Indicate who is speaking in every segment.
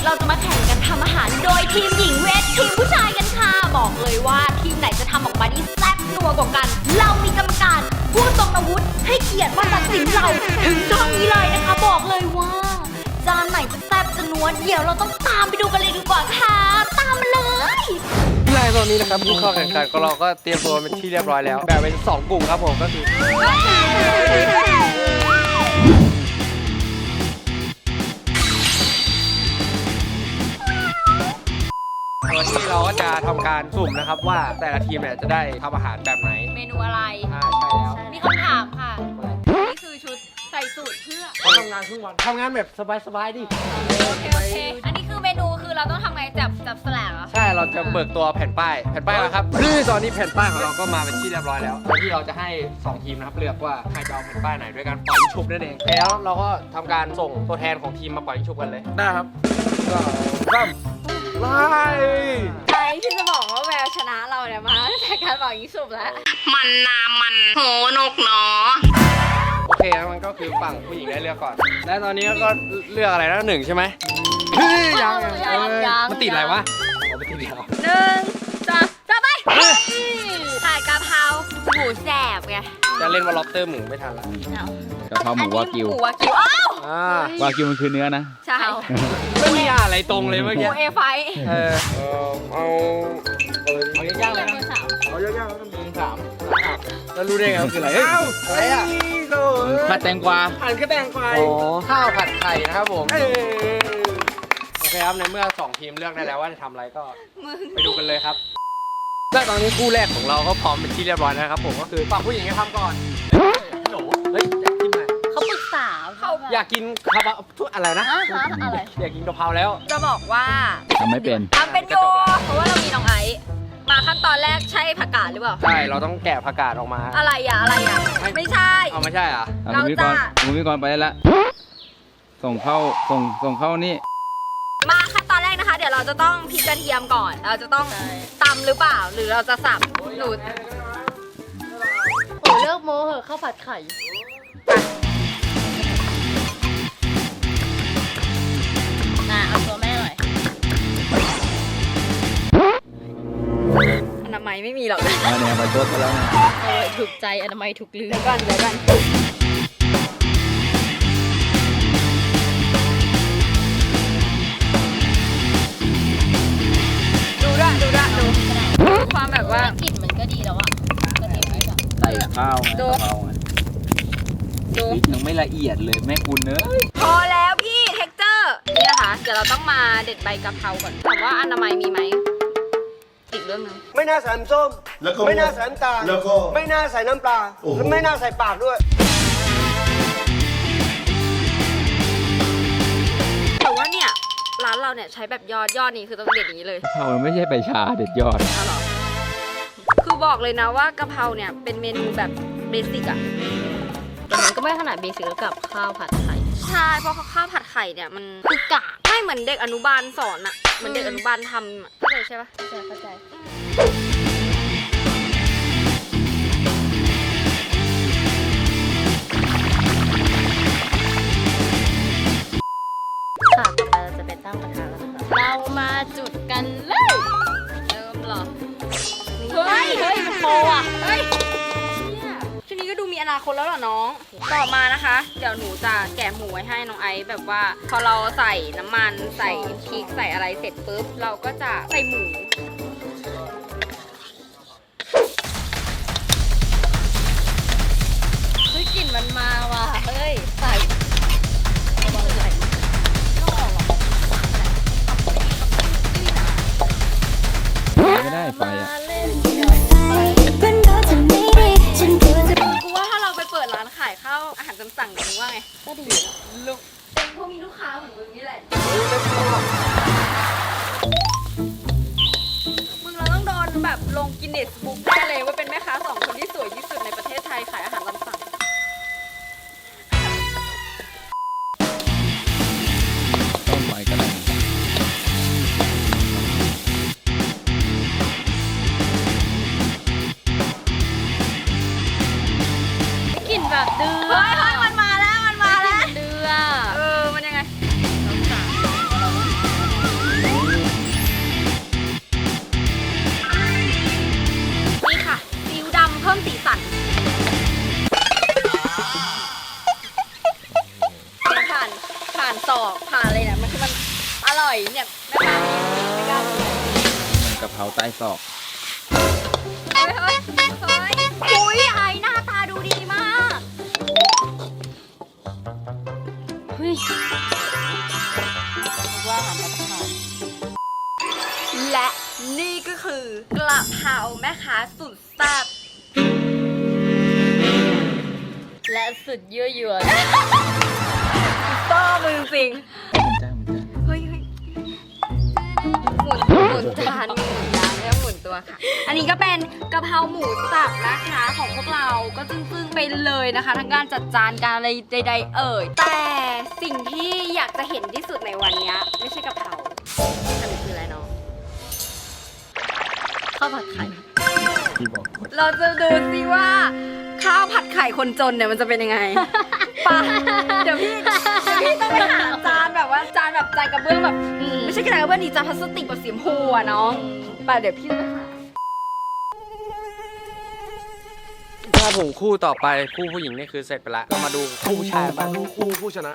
Speaker 1: เราจะมาแข่งกันทำอาหารโดยทีมหญิงเวททีมผู้ชายกันค่ะบอกเลยว่าทีมไหนจะทำออกมาได้แซ่บนัวกว่ากันเรามีกรรมการผู้ทรงอาวุธให้เกียรติมาตัดสินเราถึงช่องนี้เลยนะคะบอกเลยว่าจานไหนจะแซ่บจะนัวเดี๋ยวเราต้องตามไปดูกันเลยดีกว่าค่ะตามมาเลย
Speaker 2: ในตอนนี้นะครับผู้เข้าแข่งขันของเราก็เตรียมตัวเป็นที่เรียบร้อยแล้วแบ่งเป็น2 กลุ่มครับผมก็คือตัวที่เราก็จะทำการสุ่มนะครับว่าแต่ละทีมเนี่ยจะได้ทำอาหารแบบไหน
Speaker 1: เมนูอะไร
Speaker 2: ใช่แล้ว
Speaker 1: มีคำถามค่ะนี่คือชุดใส่สูตรเพื่อ
Speaker 2: ทำงานครึ่งวันทำงานแบบสบายๆดิ
Speaker 1: โอเคอันนี้คือเมนูคือเราต้องทำไงจับสลักเหรอ
Speaker 2: ใช่เราจะเบิกตัวแผ่นป้ายแล้วครับซึ่งตอนนี้แผ่นป้ายของเราก็มาเป็นที่เรียบร้อยแล้วโดยที่เราจะให้2 ทีมนะครับเลือกว่าใครจะเอาแผ่นป้ายไหนด้วยการปล่อยชุบนั่นเองแล้วเราก็ทำการส่งตัวแทนของทีมมาปล่อยชุบกันเลยได้ครับก็เริ่มไล่
Speaker 1: ใครที่จะบอกว่าแววชนะเราเนี่ยมาแต่การบอกยิงสุบแล้ว
Speaker 3: มันนามันโหนกเนาะ
Speaker 2: โอเคแล้วมันก็คือฝั่งผู้หญิงได้เลือกก่อนและตอนนี้ก็เลือกอะไรแล้ว1ใช่ไหมเฮ้ยยังมันติดอะไรวะมันติดแล้ว
Speaker 1: 1 2 3ไปถ่ายกะเพราหมูแสบไง
Speaker 2: จะเล่นว่าล็อบสเตอร์หมูไม่ทันละ
Speaker 4: กะเพราหมูวากิววากิวมันคือเนื้อนะ
Speaker 1: ใช่
Speaker 2: ไม่มีอะไรตรงเลยเมื่อกี้
Speaker 1: เอไฟ
Speaker 2: เอายากๆเลยนะเอายากๆแล้วกัน3แล้วรู้ได้ไงมันคืออะไรเฮ้ยอะไรอ่ะ
Speaker 4: ผัดแตงกวา
Speaker 2: หั่นกระแตงไฟข้าวผัดไข่นะครับผมโอเคครับในเมื่อ2 ทีมเลือกได้แล้วว่าจะทำอะไรก็ไปดูกันเลยครับและตอนนี้คู่แรกของเราก็พร้อมเป็นที่เรียบร้อยแล้วครับผมก็คือฝั่งผู้หญิงจะทำก่อนฮัลโหลเฮ้ยอยากกินไหม
Speaker 1: เขาปรึกษาเขา
Speaker 2: อยากกินกะเพราอะไรนะ
Speaker 1: อะไร
Speaker 2: อยากกินกะเพราแล้ว
Speaker 1: จะบอกว่า
Speaker 4: ทำไม่เป็น
Speaker 1: อยู่เพราะว่าเรามีน้องไอซ์มาขั้นตอนแรกใช่ผักกาดหรือเปล่า
Speaker 2: ใช่เราต้องแกะผักกาดออกมา
Speaker 1: อะไรอ่ะไม่ใช่
Speaker 2: เอาไม่ใช่อ่ะ
Speaker 4: เราจะคุณพี่กรไปแล้วส่งเข้านี่
Speaker 1: มาขั้นตอนแรกนะคะเดี๋ยวเราจะต้องพริกกระเทียมก่อนเราจะต้องตำหรือเปล่าหรือเราจะสับหนูเลิกโม้เหอะข้าวผัดไข่เอาตัวแม่หน่อยอนามัยไม่มีหรอก
Speaker 4: เนี่ยไปโต๊ะแล้วนะ
Speaker 1: ถูกใจอนามัยถูกลืมเดี๋ยวก่อนดูความแบบว่ากลิ่นมันก็ดีแล้วอะ
Speaker 4: ใส่ข้าวไงพริกยังไม่ละเอียดเลยแม่คุณเนอะ
Speaker 1: พอแล้วพี่เท็กเจอร์นี่นะคะเดี๋ยวเราต้องมาเด็ดใบกะเพราก่อนถามว่าอนามัยมีไหมอีกเรื่องนึง
Speaker 5: ไม่น่าใส่น้ำส้มไม่น่าใส่น้ำตาลไม่น่าใส่น้ำปลาและไม่น่าใส่ปากด้วย
Speaker 1: แต่ว่าเนี่ยร้านเราเนี่ยใช้แบบยอดนี้คือต้องเด็ดอย่างนี้เลย
Speaker 4: กะเพราไม่ใช่ใบชาเด็ดยอด
Speaker 1: คือบอกเลยนะว่ากะเพราเนี่ยเป็นเมนูแบบเบสิกอะแต่มันก็ไม่ขนาดเบสิกกับข้าวผัดไข่ใช่เพราะข้าวผัดไข่เนี่ยมันคือกะไม่เหมือนเด็กอนุบาลสอนอะเหมือนเด็กอนุบาลทำเข้าใจใช่ปะเข้าใจค่ะต่อไปเราจะไปตั้งกระทะแล้วนะคะเรามาจุดกันเลยเริ่มหรอเฮ้ยมันโตอ่ะเฮ้ยชุดนี้ก็ดูมีอนาคตแล้วเหรอน้องต่อมานะคะเดี๋ยวหนูจะแกะหมูไว้ให้น้องไอซ์แบบว่าพอเราใส่น้ำมันใส่พริกใส่อะไรเสร็จปุ๊บเราก็จะใส่หมูเฮ้ยกลิ่นมันมาว่ะเฮ้ยใส่
Speaker 4: ไม่ได้ไฟอ่ะ
Speaker 1: กูว่าถ้าเราไปเปิดร้านขายข้าวอาหารตามสั่งมึงว่าไงก็ดีลูกเป็นพวกมีลูกค้าเหมือนมึงนี่แหละมึงเราต้องโดนแบบลงกินเนสบุ๊กได้เลยว่าเป็นแม่ค้า2 คนที่สวยที่สุดในประเทศไทยขายอาหารตามสั่ง
Speaker 4: ต้องไฟก็ได้
Speaker 1: แบบเดือเฮ้ยมันมาแล้วเดือมันยังไงมันอร่อยเนี่ยแม่ค้าไม่กล้าพูด
Speaker 4: มันกะเพราใต้ศอก
Speaker 1: เฮ้ยเฮ้ยเฮ้ยอุ้ยไอหน้าตาดูดีมากเฮ้ยว่าอาหารปัตตานีและนี่ก็คือกระเพราแม่ค้าสุดแซ่บและสุดยั่วยวนต้อมือจริง
Speaker 4: มันจ้ามันจ้า
Speaker 1: เฮ้ยหมุนจานหมุนจานแล้วหมุนตัวค่ะ อันนี้ก็เป็นกะเพราหมูสับนะคะของพวกเราก็จึ้งๆไปเลยนะคะ ทั้งการจัดจานการอะไรใดๆเอ่ยแต่สิ่งที่อยากจะเห็นที่สุดในวันนี้ไม่ใช่กะเพราอันนี้คืออะไรเนาะข้าวผัดไข่
Speaker 4: ที่บอก
Speaker 1: เราจะดูสิว่าข้าวผัดไข่คนจนเนี่ยมันจะเป็นยังไงปะเดี๋ยวพี่ต้องไปหาจานแบบว่าจานแบบจานกระเบื้องแบบไม่ใช่กระดาษกระเบื้องดีจานพลาสติกแบบสีชมพูอะน้องไปเดี๋ยวพี่จะไปหา
Speaker 2: ถ้าผมคู่ต่อไปคู่ผู้หญิงนี่คือเสร็จไปละก็มาดูคู่ผู้ชายบ้าง
Speaker 5: คู่ผู้ชนะ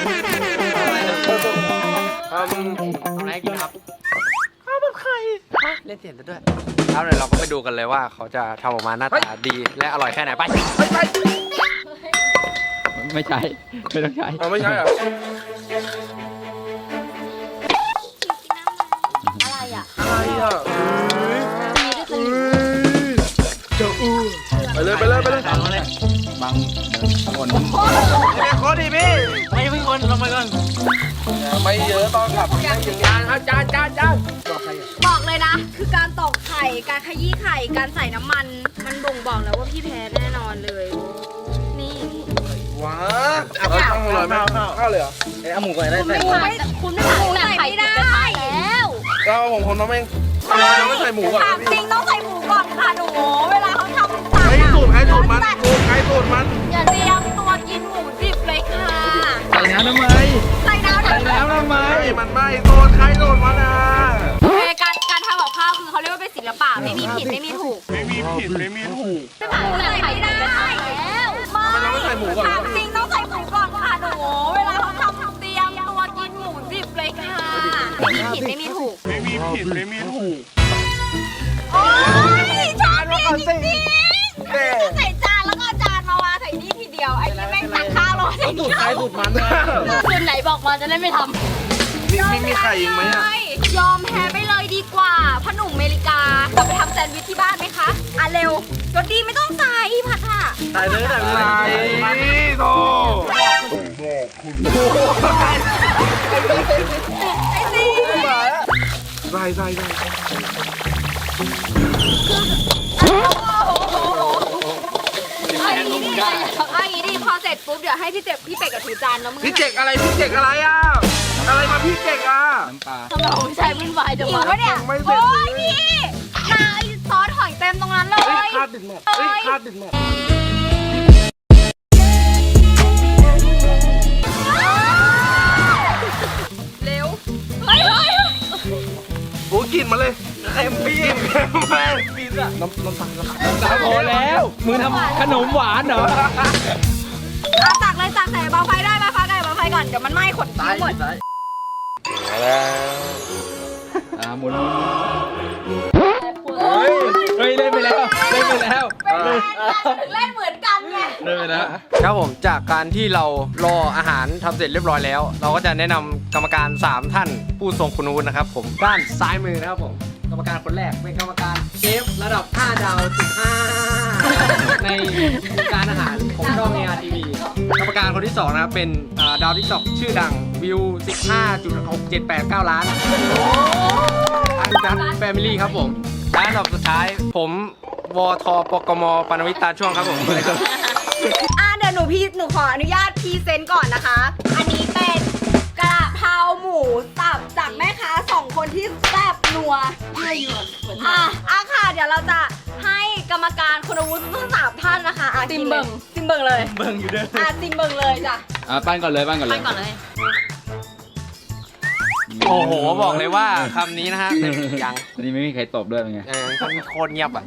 Speaker 2: ทำอะไรกินครับข้าวผัดไข่เล่นเสียงซะด้วยแล้วเดี๋ยวเราก็ไปดูกันเลยว่าเขาจะทำออกมาหน้าตาดีและอร่อยแค่ไหนไป
Speaker 4: ไม่ใช่ไม่ต้องใช้
Speaker 5: ไม่ใช่เหรอ
Speaker 1: อะไรอ่ะ
Speaker 5: อะไรอ่ะ
Speaker 1: มีด้วยกัน
Speaker 5: จะอู้ไปเลยไปเลยไปเลย
Speaker 4: บางคน
Speaker 5: ขอดีพี่ไม่เพิ่งคนลงไปก่อนไม่เยอะตอนขับไม่ถึงจานครับจานบอกใครอ่ะ
Speaker 1: บอกเลยนะ คือการตอกไข่การขยี้ไข่การใส่น้ำมันมันบ่งบอกแล้วว่าพี่แพ้แน่นอนเลย นี่
Speaker 5: ว้าเอาข้าวอร่อยมากข้าวเลยเหรอ
Speaker 4: เอาหมูก่อนได้
Speaker 1: คุณไม่คุณไม่ใส่ไม่ได้แล้ว
Speaker 5: เราผมคนน้องเองเราไม่ใส่หมูก่อน
Speaker 1: ถามจริงต้องใส่หมูก่อนค่ะหนูเวลาเขาทำสั่ง
Speaker 5: ใช้สูตรมันใช้สูตรมัน
Speaker 1: อย่าเตรียมตัวกินหมูดิบเลยค่ะ
Speaker 4: ใส่น้ำทำไม
Speaker 1: ใส่น้ำ
Speaker 4: ใส่น้ำทำไม
Speaker 5: มันไม่โดนใครโดนมันอ่ะ
Speaker 1: โอเคการทำกับข้าวคือเขาเรียกว่าเป็นศิลปะไม่มีผิดไม่มีถูก
Speaker 5: ไม่มีผิดไม่มีถูก
Speaker 1: ไม่ผ่านใส่ไม่ได้แล้ว
Speaker 5: ทำไมเราไม่ใส่หมูก่อน
Speaker 1: ถามจริงต้องใส่หมูก่อนค่ะหนูเวลาเขาทำเตรียมตัวกินหมูดิบเลยค่ะไม่มีผิดไม่มีถูก
Speaker 5: ไม่มีผิดไม่มีถูก
Speaker 1: โอ้ยชอบนี่จริงๆจะใส่จานแล้วก็จานมาวางใส่นี่ทีเดียวไอ้ที่แม่งตักข้าวลงใส่นี่
Speaker 5: ใครสูตรมันนะ
Speaker 1: คืนไหนบอกมาจะได้ไม่ทำ
Speaker 5: มีไข่อีกไหมอ่ะ
Speaker 1: ยอมแพ้ไปเลยดีกว่าพ่อหนุ่มอเมริกาเราไปทำแซนด์วิชที่บ้านไหมคะอ่ะเร็วรสดีไม่ต้องใส่ผัดค่ะ
Speaker 5: ใส่เลยใส่เลยโต
Speaker 1: ไอ้สิ
Speaker 5: ใส่
Speaker 1: เอาอย่างนี้ดิพอเสร็จปุ๊บเดี๋ยวให้พี่เป็ดกับถือจานแล้วมึง
Speaker 5: พี่เจกอะไรอ่ะอะไรมาพี่เจกอ่ะ
Speaker 4: น้ำปลา
Speaker 1: ทำไมผมใช้วุ่นวายจังวะเนี่ย
Speaker 5: ไม่เสร็จ
Speaker 1: โอ้ยพี่นาซอสหอยเต็มตรงนั้นเลย
Speaker 5: คาดดึงหมดคาดดึงหมด
Speaker 1: เร็วเฮ้ย
Speaker 5: โอ้กินมาเลยเค็มพี่เค็มแม่ปีนอะน้ำตาล
Speaker 4: พอแล้วมึงทำขนมหวานเหรอ
Speaker 1: ตักเลยตักใส่เบาไฟได้ไหมคะไก่เบาไฟก่อนเดี๋ยวมันไหม้ขนทิ้งหมด
Speaker 4: หมุนเฮ้ยเล่นไปแล้วเล่นไปแล้ว
Speaker 1: เล่นเหมือนกันไง
Speaker 4: เล่นไปแล้ว
Speaker 2: ครับผมจากการที่เรารออาหารทำเสร็จเรียบร้อยแล้ว เราก็จะแนะนำกรรมการ 3 ท่านผู้ทรงคุณวุฒินะครับผมด้านซ้ายมือนะครับผมกรรมการคนแรกเป็นกรรมการเชฟระดับ 5 ดาวถึง5ในวงการอาหารของช่อง ARTV กรรมการคนที่ 2 นะครับเป็นดาวทิกตอกชื่อดังวิว 15.6789 ล้านอันดับแฟมิลี่ครับผมและอันดับสุดท้ายผมวทปกมปานวิทย์ตาช่วงครับผม
Speaker 1: เดี๋ยวหนูขออนุญาตพรีเซนต์ก่อนนะคะ อันนี้เป็นกระเพราหมูสับจากแม่ค้า2 คนที่แซ่บนัวค่ะเดี๋ยวเราจะให้กรรมการคุณวุฒิทั้ง3 ท่านนะคะซิมเบิงเลยเบิงอยู่เด้อซิมเบิงเลยจ้ะ
Speaker 4: ปั้นก่อนเลย
Speaker 2: โอ้โห บอกเลยว่าคำนี้นะฮะยัง
Speaker 4: อันนี้ไม่มีใครตบด้วยเป็นไง
Speaker 2: มันโคตรเงียบอ่ะ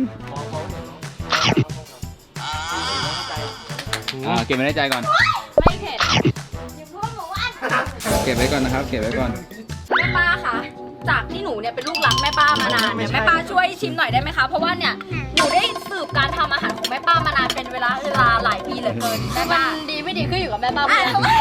Speaker 4: เก็บไว้ในใจก่อน
Speaker 1: ไม่เผ็ดอย่าพูดหมูอัน
Speaker 4: โอเคก็บไว้ก่อนนะครับ เก็บไว้ก่อน
Speaker 1: แม่ป้าคะจากที่หนูเนี่ยเป็นลูกหลักแม่ป้ามานานเนี่ยแม่ป้าช่วยชิมหน่อยได้ไหมคะเพราะว่าเนี่ยหนูได้สืบการทำอาหารของแม่ป้ามานานเป็นเวลาหลายปีเหลือเกินแม่ป้าดีไม่ดีขึ้นอยู่กับแม่ป้า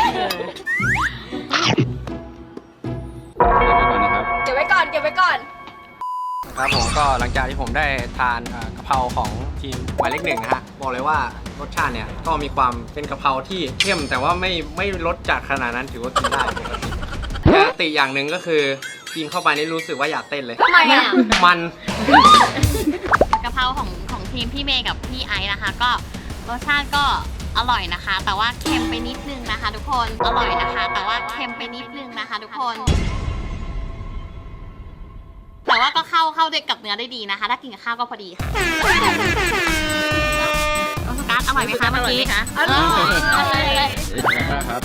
Speaker 1: เก็บไว้ก่อนเก็บไว้ก่อน
Speaker 2: ครับผมก็หลังจากที่ผมได้ทานกะเพราของทีมหมายเลข1นะฮะบอกเลยว่ารสชาติเนี่ยก็มีความเป็นกะเพราที่เข้มแต่ว่าไม่รสจัดขนาดนั้นถือว่ากินได้ปกติแต่ติอย่างหนึ่งก็คือกินเข้าไปนี่รู้สึกว่าอยากเต้นเลย
Speaker 1: ทำไมอ่ะ
Speaker 2: มัน
Speaker 3: กะเพราของทีมพี่เมย์กับพี่ไอซ์นะคะ ก็รสชาติก็อร่อยนะคะ แต่ว่าเค็มไปนิดนึงนะคะ ทุกคนอร่อยนะคะ แต่ว่าเค็มไปนิดนึงนะคะ ทุกคน แต่ว่าก็เข้าด้วยกับเนื้อได้ดีนะคะ ถ้ากินกับข้าวก็พอดีค่ะการอร่อยไหมคะเมื่อกี้อร่อย
Speaker 4: ครับ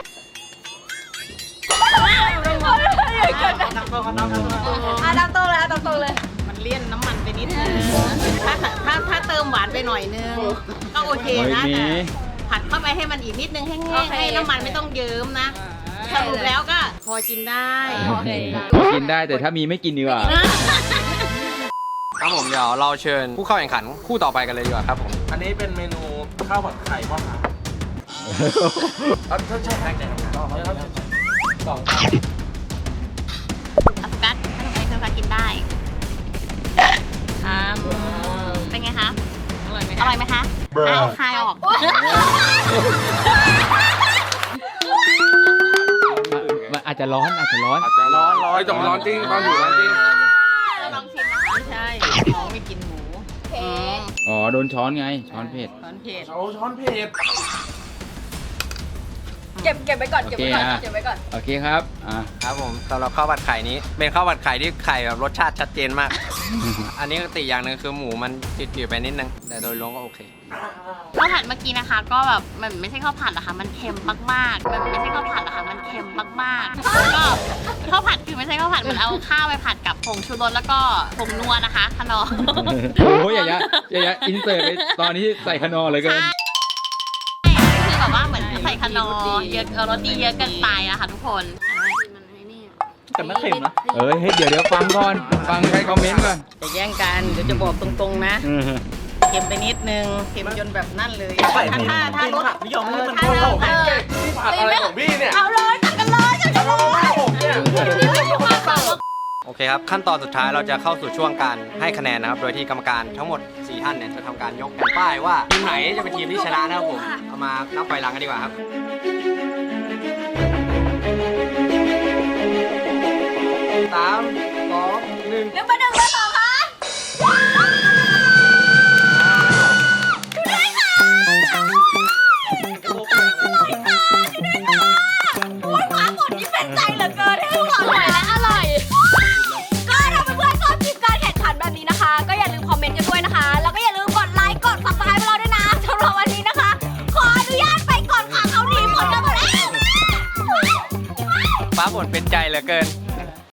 Speaker 1: ตามโตเลยตามโตเลย
Speaker 6: มันเลี่ยนน้ำมันไปนิดนึงถ้าเติมหวานไปหน่อยนึง ก็โอเคนะแต่ผัดเข้าไปให้มันอีกนิดนึงให้แห้งให้น้ำมันไม่ต้องเยิ้มนะสรุปแล้วก็พอกินได้
Speaker 4: กินได้แต่ถ้ามีไม่กินดีกว่า
Speaker 2: ครับผมเดี๋ยวเราเชิญผู้เข้าแข่งขันคู่ต่อไปกันเลยดีกว่าครับผม
Speaker 5: อันนี้เป็นเมนูข้าวผัดไข่พ่อครับใช่แข่งสอง
Speaker 3: อสุกัสถ้าทำไมเธอกินได้เป็นไงคะ
Speaker 6: อร่อยไหม
Speaker 3: อร่อยไหมคะคายออก
Speaker 4: มันอาจจะร้อน
Speaker 5: อาจจะร้อนแต่มันร้อนจริงตอนอยู่ร้อนจริง
Speaker 3: ลองชิมนะคะ
Speaker 6: ไม่ใช่น้องไม่กินหมู
Speaker 4: อ๋อ โดนช้อนไง ช้อนเผ็ด
Speaker 6: ตอนเผ็ด
Speaker 5: โอ้ช้อนเผ็ด
Speaker 1: เก็บไว้ก่อนเก็บไว้ก่อน
Speaker 4: โอเคนะ
Speaker 1: เก็บไว้ก่อน
Speaker 4: โอเคครับ
Speaker 2: ครับผมสำหรับข้าวผัดไข่นี้เป็นข้าวผัดไข่ที่ไข่แบบรสชาติชัดเจนมาก อันนี้ก็ติอย่างหนึ่งคือหมูมันจืดๆไปนิดนึงแต่โดยรวมก็โอเค
Speaker 3: ข้าวผัดเมื่อกี้นะคะ ก็แบบมันไม่ใช่ข้าวผัดนะคะมันเค็มมากๆมันไม่ใช่ข้าวผัดนะคะมันเค็มมากๆแล้วก็ข้าวผัดคือไม่ใช่ข้าวผัดมันเอาข้าวไปผัดกับผงชูรสแล้วก็ผงนัวนะคะขนอ
Speaker 4: โอ้ยอย่าอินเสิร์ตไปตอนนี้ใส่ขนอเลยเกิน
Speaker 3: คือแบบว่าเหมือนใส่ขนอเยอะรสดีเยอะเกินไปอะค่ะทุกคน
Speaker 5: แต่ไม่เค็มนะ
Speaker 4: เอ้ยเดี๋ยวฟังก่อน ฟังใครคอมเมนต์ก่อน
Speaker 6: จะแย่งกันเดี๋ยวจะบอกตรงๆนะเค็มไปนิดนึงเค็มจนแบบนั่นเลยถ้ารส
Speaker 5: นิยมนี่มันเข้าของพี่ผัดอะไรของพี่เนี่ย
Speaker 1: เอาเลยจัดกันเลยจัดกันเลย
Speaker 2: โอเคครับขั้นตอนสุดท้ายเราจะเข้าสู่ช่วงการให้คะแนนนะครับโดยที่กรรมการทั้งหมด4ท่านเนี่ยจะทำการยกแผ่นป้ายว่าทีมไหนจะเป็นทีมที่ชนะนะครับผมเอามานับไปหลังกันดีกว่าครับ3 2 1
Speaker 1: 1 1 2ค่ะความหมดนี้เป็นใจเหลือเกินให้พวกเราอร่อยและอร่อย ก็ถ้าเพื่อนๆชอบคลิปการแข่งขันแบบนี้นะคะ ก็อย่าลืมคอมเมนต์กันด้วยนะคะ แล้วก็อย่าลืมกดไลค์กด subscribe ให้เราด้วยนะสำหรับวันนี้นะคะ ขออนุญาตไปก่อนค่ะเขาหนีผลกันหมดแล้ว
Speaker 2: ฟ้าฝนเป็นใจเหลือเกิน